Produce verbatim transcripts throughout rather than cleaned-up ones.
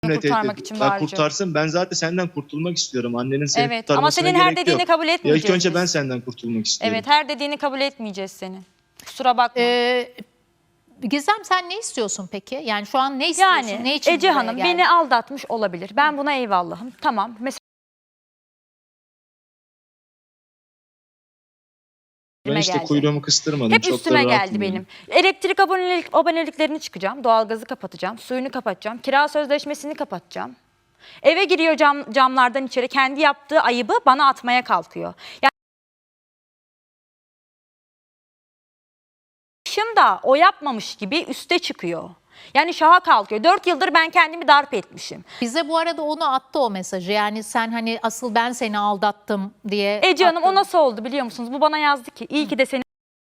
kurtarmak için ben bağıracağım. kurtarsın. Ben zaten senden kurtulmak istiyorum. Annenin seni Evet kurtarmasına ama senin gerek her dediğini yok. kabul Ya etmeyeceğiz. ilk önce biz. ben senden kurtulmak istiyorum. Evet, her dediğini kabul etmeyeceğiz senin. Kusura bakma. Ee, Gizem sen ne istiyorsun peki? Yani şu an ne istiyorsun? yani ne için Ece buraya Hanım geldin? beni aldatmış olabilir. Ben buna eyvallahım. Tamam. Mesela Ben işte geldi. kuyruğumu kıstırmadım. Hep Çok da üstüme rahatım geldi yani. benim. Elektrik abonelik, aboneliklerini çıkacağım. Doğalgazı kapatacağım. Suyunu kapatacağım. Kira sözleşmesini kapatacağım. Eve giriyor cam, camlardan içeri. Kendi yaptığı ayıbı bana atmaya kalkıyor. Yani da o yapmamış gibi üste çıkıyor. Yani şaha kalkıyor. Dört yıldır ben kendimi darp etmişim. Bize bu arada onu attı o mesajı. Yani sen hani asıl ben seni aldattım diye. Ece Hanım attın. o nasıl oldu biliyor musunuz? Bu bana yazdı ki iyi ki de seni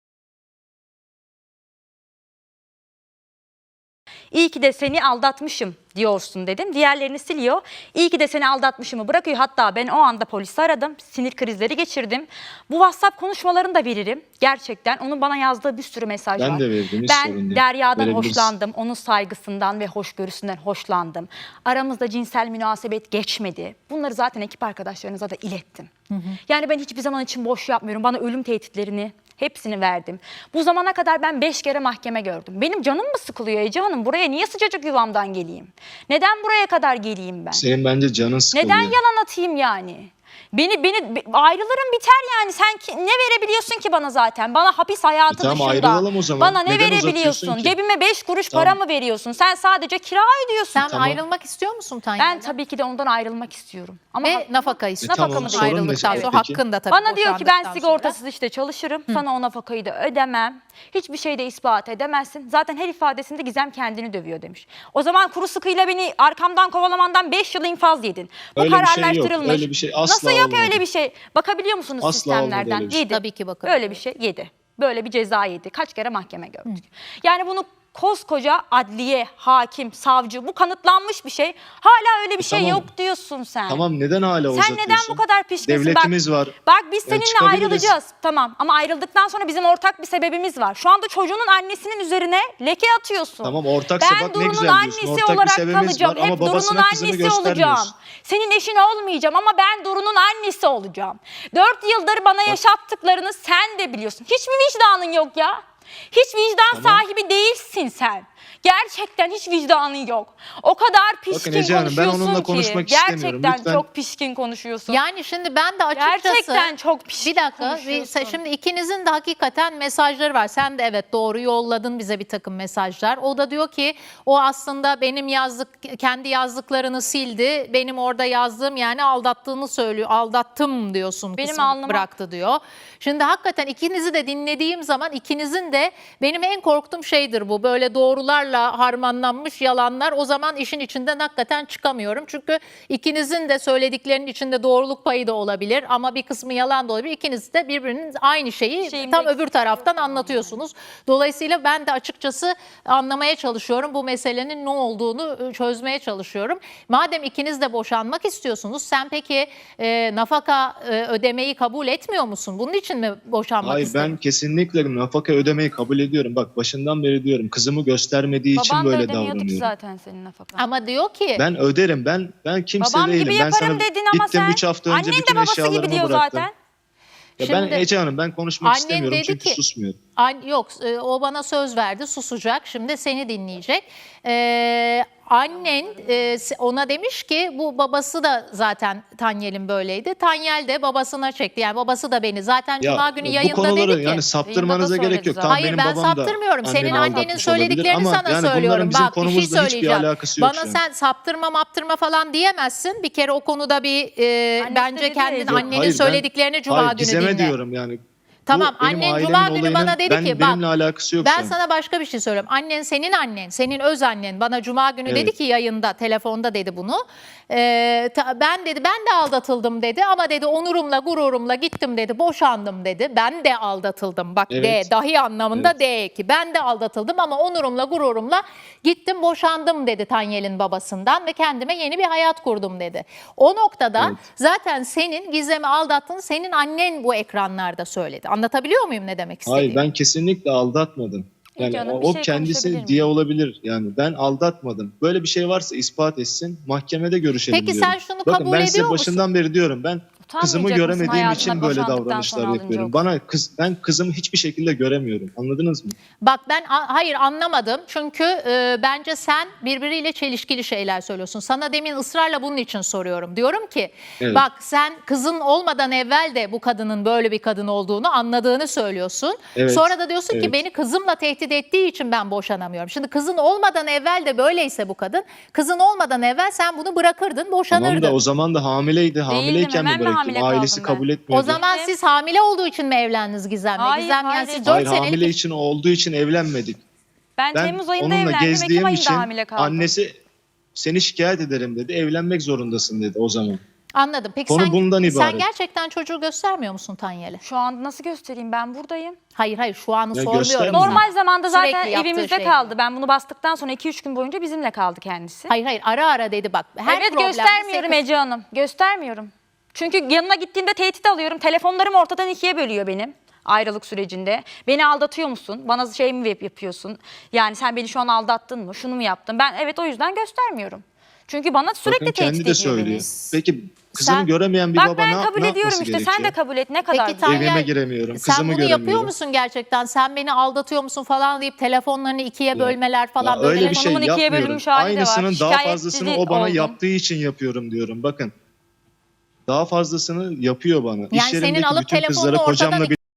İyi ki de seni aldatmışım diyorsun dedim. Diğerlerini siliyor. İyi ki de seni aldatmışımı bırakıyor. Hatta ben o anda polisi aradım. Sinir krizleri geçirdim. Bu WhatsApp konuşmalarını da veririm. Gerçekten onun bana yazdığı bir sürü mesaj Ben var. de verdim. Hiç sorun Ben değil. Derya'dan Verebiliriz. hoşlandım. Onun saygısından ve hoşgörüsünden hoşlandım. Aramızda cinsel münasebet geçmedi. Bunları zaten ekip arkadaşlarınıza da ilettim. Hı hı. Yani ben hiçbir zaman için boş yapmıyorum. Bana ölüm tehditlerini hepsini verdim. Bu zamana kadar ben beş kere mahkeme gördüm. Benim canım mı sıkılıyor Ece Hanım? Buraya niye sıcacık yuvamdan geleyim? Neden buraya kadar geleyim ben? Senin bence canın sıkılıyor. Neden yalan atayım yani? Beni beni ayrılırım biter yani. Sen ki, ne verebiliyorsun ki bana zaten? Bana hapis hayatı E tamam, dışında. ayrılalım o zaman. Bana ne Neden verebiliyorsun? uzatıyorsun ki? Cebime beş kuruş Tamam. para mı veriyorsun? Sen sadece kira ödüyorsun. Sen Tamam. ayrılmak istiyor musun Tanya? Ben tabii ki de ondan ayrılmak istiyorum. Ama Ve nafaka istiyorsun. E tamam, sorun ne ayrıldıktan peki? sonra hakkında tabii. bana diyor ki ben boşandıktan sigortasız sonra. işte çalışırım. Sana o nafakayı da ödemem. Hiçbir şey de ispat edemezsin. Zaten her ifadesinde Gizem kendini dövüyor demiş. O zaman kuru sıkıyla beni arkamdan kovalamandan beş yıl infaz yedin. Bu Öyle bir şey yok, kararlaştırılmış. öyle bir şey asla Nasıl yok olmadı. öyle bir şey? Bakabiliyor musunuz Asla olmadı sistemlerden? öyle bir şey. Yedi. Tabii ki bakabiliyorum. Öyle bir şey yedi. Böyle bir ceza yedi. Kaç kere mahkeme gördük. Yani bunu koskoca adliye, hakim, savcı bu kanıtlanmış bir şey. Hala öyle bir şey tamam. yok diyorsun sen. Tamam, neden hala Sen uzatıyorsun? neden bu kadar pişkinsin? Devletimiz bak, var. Bak biz Yani seninle çıkabiliriz. ayrılacağız. Tamam ama ayrıldıktan sonra bizim ortak bir sebebimiz var. Şu anda çocuğunun annesinin üzerine leke atıyorsun. Tamam, ortaksa ben bak ne Duru'nun güzel diyorsun. annesi Ortak bir olarak sebebimiz kalacağım. var ama Hep Duru'nun babasına kızını annesi olacağım. göstermiyorsun. Senin eşin olmayacağım ama ben Duru'nun annesi olacağım. Dört yıldır bana yaşattıklarını sen de biliyorsun. Hiç mi vicdanın yok ya? Hiç vicdan Tamam. sahibi değilsin sen. Gerçekten hiç vicdanın yok. O kadar pişkin Bakın Ece Hanım, ben konuşuyorsun onunla ki. konuşmak istemiyorum. Gerçekten Lütfen. çok pişkin konuşuyorsun. Yani şimdi ben de açıkçası... Gerçekten çok pişkin Bir dakika. konuşuyorsun. Bir, şimdi ikinizin de hakikaten mesajları var. Sen de evet doğru yolladın bize bir takım mesajlar. O da diyor ki o aslında benim yazdık kendi yazdıklarını sildi. Benim orada yazdığım yani aldattığını söylüyor. Aldattım diyorsun. Benim kısmını alnıma- bıraktı diyor. Şimdi hakikaten ikinizi de dinlediğim zaman ikinizin de benim en korktuğum şeydir bu. Böyle doğrularla harmanlanmış yalanlar. O zaman işin içinden hakikaten çıkamıyorum. Çünkü ikinizin de söylediklerinin içinde doğruluk payı da olabilir ama bir kısmı yalan da olabilir. İkiniz de birbirinin aynı şeyi Şeyimde tam eksik öbür taraftan anlatıyorsunuz. Dolayısıyla ben de açıkçası anlamaya çalışıyorum. Bu meselenin ne olduğunu çözmeye çalışıyorum. Madem ikiniz de boşanmak istiyorsunuz, sen peki e, nafaka e, ödemeyi kabul etmiyor musun? Bunun için mi boşanmak Hayır, istedin? ben kesinlikle nafaka ödemeyi kabul ediyorum. Bak başından beri diyorum, kızımı göstermediği için Baban da böyle ödemiyordu ki davranıyorum. zaten senin nafakanı. Ama diyor ki Ben öderim. Ben ben kimse Babam değilim. gibi Ben yaparım sana dedin ama gittim sen. üç hafta önce Annen de bütün babası gibi eşyalarımı diyor bıraktım. zaten. Ya ben Şimdi- Ece Hanım, ben konuşmak Annen istemiyorum dedi çünkü ki- susmuyorum. An- Yok e, o bana söz verdi, susacak, şimdi seni dinleyecek. Ee, annen e, ona demiş ki bu babası da zaten Tanyel'in böyleydi. Tanyel de babasına çekti, yani babası da beni zaten Cuma günü bu yayında konuları dedi ki. yani saptırmanıza Yayında da gerek yok. söyledi Tamam, Hayır benim ben babam da saptırmıyorum. Senin annemi annenin aldatmış olabilir söylediklerini ama sana yani bunların söylüyorum. bizim Bak bir şey konumuzla hiçbir söyleyeceğim. alakası yok Bana şu an. sen saptırma maptırma falan diyemezsin. Bir kere o konuda bir e, Annesi de bence dedi kendin ya. Yok, annenin hayır, ben- söylediklerini Cuma hayır, günü Gizem'e dinle. diyorum yani. Tamam, Bu benim annen ailemin Cuma günü olayının bana dedi ben, ki, bak, benimle alakası yok Ben şu an. sana başka bir şey söylüyorum. Annen senin annen, senin öz annen bana Cuma günü Evet. dedi ki yayında, telefonda dedi bunu. Ee, ta- ben dedi ben de aldatıldım dedi ama dedi onurumla gururumla gittim dedi, boşandım dedi. Ben de aldatıldım, bak Evet. de dahi anlamında Evet. de ki ben de aldatıldım ama onurumla gururumla gittim boşandım dedi Tanyel'in babasından ve kendime yeni bir hayat kurdum dedi. O noktada Evet. zaten senin Gizem'i aldattığını senin annen bu ekranlarda söyledi. Anlatabiliyor muyum ne demek istediğimi? Hayır, ben kesinlikle aldatmadım. Yani Canım, o, bir o şey kendisi konuşabilir diye miyim? olabilir. Yani ben aldatmadım. Böyle bir şey varsa ispat etsin. Mahkemede görüşelim Peki diyorum. sen şunu Bakın kabul ben ediyor size musun? başından beri diyorum. Ben kızımı Utanmayacak mısın göremediğim hayatına için böyle boşandıktan davranışlar sonra alınca yapıyorum. o Bana kız ben kızımı hiçbir şekilde göremiyorum. Anladınız mı? Bak ben a- hayır anlamadım. Çünkü e, bence sen birbiriyle çelişkili şeyler söylüyorsun. Sana demin ısrarla bunun için soruyorum. Diyorum ki Evet. bak sen kızın olmadan evvel de bu kadının böyle bir kadın olduğunu anladığını söylüyorsun. Evet, Sonra da diyorsun ki evet. beni kızımla tehdit ettiği için ben boşanamıyorum. Şimdi kızın olmadan evvel de böyleyse bu kadın, kızın olmadan evvel sen bunu bırakırdın, boşanırdın. Tamam da o zaman da hamileydi. Hamileyken hemen mi mi bıraktım? hamile Ailesi kaldım ben? kabul etmiyordu. O zaman siz hamile olduğu için mi evlendiniz Gizem'le? Hayır, Gizem yani hayır. siz dört Hayır, senelik hamile için olduğu için evlenmedik. Ben, Ben Temmuz ayında onunla evlendim. Ekim gezdiğim ayında için hamile kaldım. annesi seni şikayet ederim dedi. Evlenmek zorundasın dedi o zaman. Anladım. Peki Konu sen, bundan sen ibaret. gerçekten çocuğu göstermiyor musun Tanyel'e? Şu anda nasıl göstereyim? Ben buradayım. Hayır hayır şu anı Ya sormuyorum. göstermiyor. sana. Normal zamanda zaten Sürekli yaptığı evimizde şey. kaldı. Ben bunu bastıktan sonra iki üç gün boyunca bizimle kaldı kendisi. Hayır hayır ara ara dedi bak. Her evet problemde göstermiyorum sekiz- Ece Hanım. Göstermiyorum. Çünkü yanına gittiğimde tehdit alıyorum. Telefonlarım ortadan ikiye bölüyor benim ayrılık sürecinde. Beni aldatıyor musun? Bana şey mi yap- yapıyorsun? Yani sen beni şu an aldattın mı? Şunu mu yaptın? Ben evet o yüzden göstermiyorum. Çünkü bana sürekli Bakın tehdit kendi ediyor de söylüyor. beni. Peki kızını Sen- göremeyen bir Bak baba ben ne, kabul ne ediyorum yapması işte. gerekiyor? Sen de kabul et. Ne kadar Peki Tanyel, Evime giremiyorum, sen kızımı bunu yapıyor göremiyorum. musun gerçekten? Sen beni aldatıyor musun falan deyip telefonlarını ikiye bölmeler falan Ya böyle. öyle bir şey Telefonumun ikiye yapmıyorum. bölünmüş hali de var. Aynısının daha Şikayetçi fazlasını o bana oldum. yaptığı için yapıyorum diyorum. Bakın. Daha fazlasını yapıyor bana. Yani İş senin yerindeki alıp bütün telefonunu kızları ortadan kocamla bir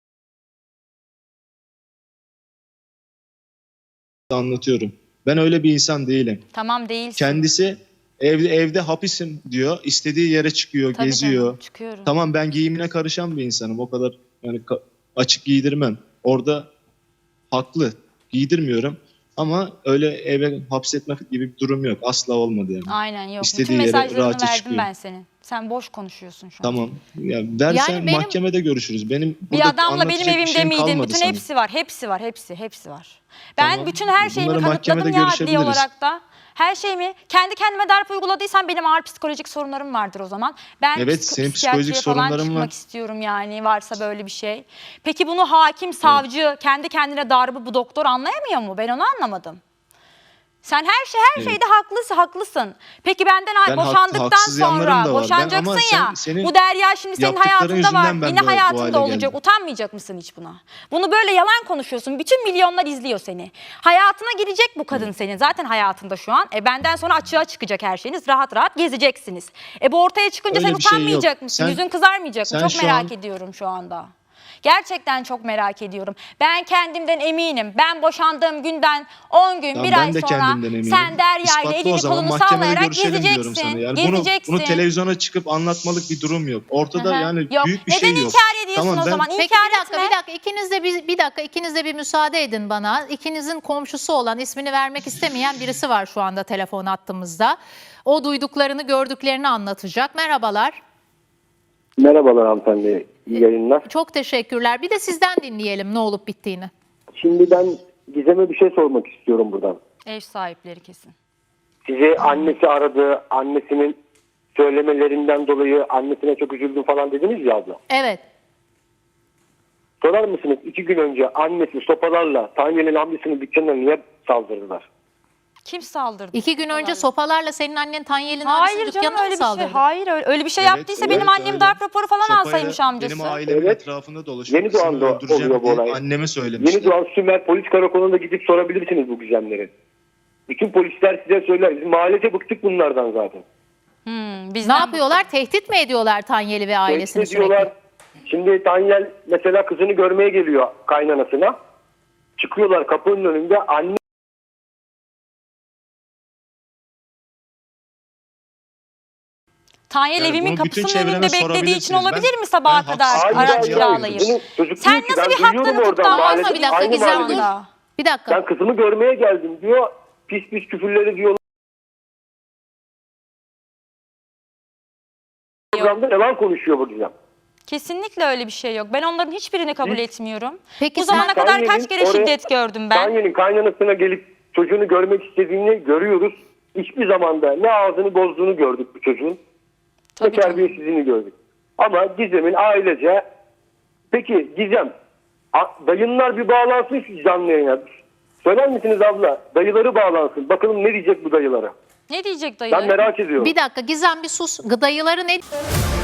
anlatıyorum. Ben öyle bir insan değilim. Tamam değilsin. Kendisi evde evde hapisim diyor. İstediği yere çıkıyor, Tabii geziyor. canım, çıkıyorum. Tamam ben giyimine karışan bir insanım. O kadar yani ka- açık giydirmem. Orada haklı. Giydirmiyorum. Ama öyle eve hapsetmek gibi bir durum yok. Asla olmadı yani. Aynen yok. İstediği Bütün yere mesajlarını rahatça verdim çıkıyor. ben senin. Sen boş konuşuyorsun şu an. Tamam. Ya dersen Yani benim- mahkemede görüşürüz. Benim Bir burada adamla benim anlatacak bir evimde şeyim miydin? kalmadı Bütün sana. hepsi var. Hepsi var. Hepsi. Hepsi var. Ben Tamam. bütün her şeyimi Bunları kanıtladım mahkemede ya adli görüşebiliriz. olarak da. Her şeyimi kendi kendime darp uyguladıysam benim ağır psikolojik sorunlarım vardır o zaman. Ben Evet, psik- senin psikiyatriye psikolojik falan sorunların çıkmak var. istiyorum yani varsa böyle bir şey. Peki bunu hakim, savcı, kendi kendine darbı bu doktor anlayamıyor mu? Ben onu anlamadım. Sen her şey her Evet. şeyde haklısın, haklısın. Peki benden Ben hak- boşandıktan haksız yanlarım sonra da var. Ben boşanacaksın ama sen- ya. senin Bu Derya şimdi senin yaptıkların hayatında var. yüzünden ben Yine böyle bu hayatında hale olacak. geldim. Utanmayacak mısın hiç buna? Bunu böyle yalan konuşuyorsun. Bütün milyonlar izliyor seni. Hayatına girecek bu kadın senin. Zaten hayatında şu an. E benden sonra açığa çıkacak her şeyiniz. Rahat rahat gezeceksiniz. E bu ortaya çıkınca Öyle sen bir şey yok. utanmayacak mısın? Sen- Yüzün kızarmayacak mı? sen Çok şu merak an- ediyorum şu anda. Gerçekten çok merak ediyorum. Ben kendimden eminim. Ben boşandığım günden on gün, Tamam, bir ben ay de sonra kendimden eminim. sen Derya ile İspatla o elini zaman, kolunu mahkemede sallayarak görüşelim diyorum gezeceksin. sana. Yani gezeceksin. Bunu, bunu televizyona çıkıp anlatmalık bir durum yok. Ortada Hı hı. yani Yok. büyük bir Neden şey yok. inkar ediyorsun Tamam, o ben- zaman? Peki İnkar bir dakika etme. bir dakika ikiniz de bir, bir dakika ikiniz de bir müsaade edin bana. İkinizin komşusu olan ismini vermek istemeyen birisi var şu anda telefon hattımızda. O duyduklarını gördüklerini anlatacak. Merhabalar. Merhabalar hanımefendi, iyi yayınlar. Çok teşekkürler. Bir de sizden dinleyelim ne olup bittiğini. Şimdi ben Gizem'e bir şey sormak istiyorum buradan. Ev sahipleri kesin. Sizi annesi aradı, annesinin söylemelerinden dolayı annesine çok üzüldüm falan dediniz ya abla. Evet. Sorar mısınız iki gün önce annesi sopalarla Tanyel'in amcasının dükkanına niye saldırdılar? Kim saldırdı? İki gün önce sopalarla senin annen Tanyel'in Hayır arası canım dükkanına öyle mı bir şey. saldırdı? Hayır öyle, öyle bir şey Evet, yaptıysa evet, benim annem öyle. darp raporu falan Sopayla alsaymış amcası. Benim ailemin Evet. etrafında dolaşıyor. Yeni Kızımı Doğan'da öldüreceğim oluyor bu diye olay. anneme söylemişler. Yeni Doğan Sümer Polis Karakolu'na gidip sorabilirsiniz bu gizemleri. Bütün polisler size söyler. Biz mahallece bıktık bunlardan zaten. Hmm, Ne bizden yapıyorlar? Tehdit mi ediyorlar Tanyel'i ve ailesini Tehdit ediyorlar. sürekli? Şimdi Tanyel mesela kızını görmeye geliyor kaynanasına. Çıkıyorlar kapının önünde. Anne Tanyel Yani evimin bunu bütün kapısının çevreme önünde beklediği için sorabilirsiniz. olabilir Ben- mi sabaha ben kadar haksız- Hayır, araç hayır, kiralayıp? hayır. Çocuk Sen diyor ki, nasıl ben bir haktan duyuyorum oradan, tutuklanmazsın mahallede Bir dakika aynı Gizem dur. mahallede. anda? Bir dakika. ben kızımı görmeye geldim diyor. Pis pis küfürleri diyor. Programda yalan konuşuyor bu Gizem. Kesinlikle öyle bir şey yok. Ben onların hiçbirini kabul etmiyorum. Peki Bu zamana sen- kadar Tanyel'in kaç kere oraya- şiddet gördüm ben. Tanyel'in kaynanasına gelip çocuğunu görmek istediğini görüyoruz. Hiçbir zamanda ne ağzını bozduğunu gördük bu çocuğun. Tabii Ne canım. terbiyesizliğini gördük. Ama Gizem'in ailece, peki Gizem A- dayınlar bir bağlansın şu canlı yayına. Söyler misiniz abla? Dayıları bağlansın. Bakalım ne diyecek bu dayılara? Ne diyecek dayılar? Ben merak ediyorum. Bir dakika Gizem bir sus. Gıdayıları ne?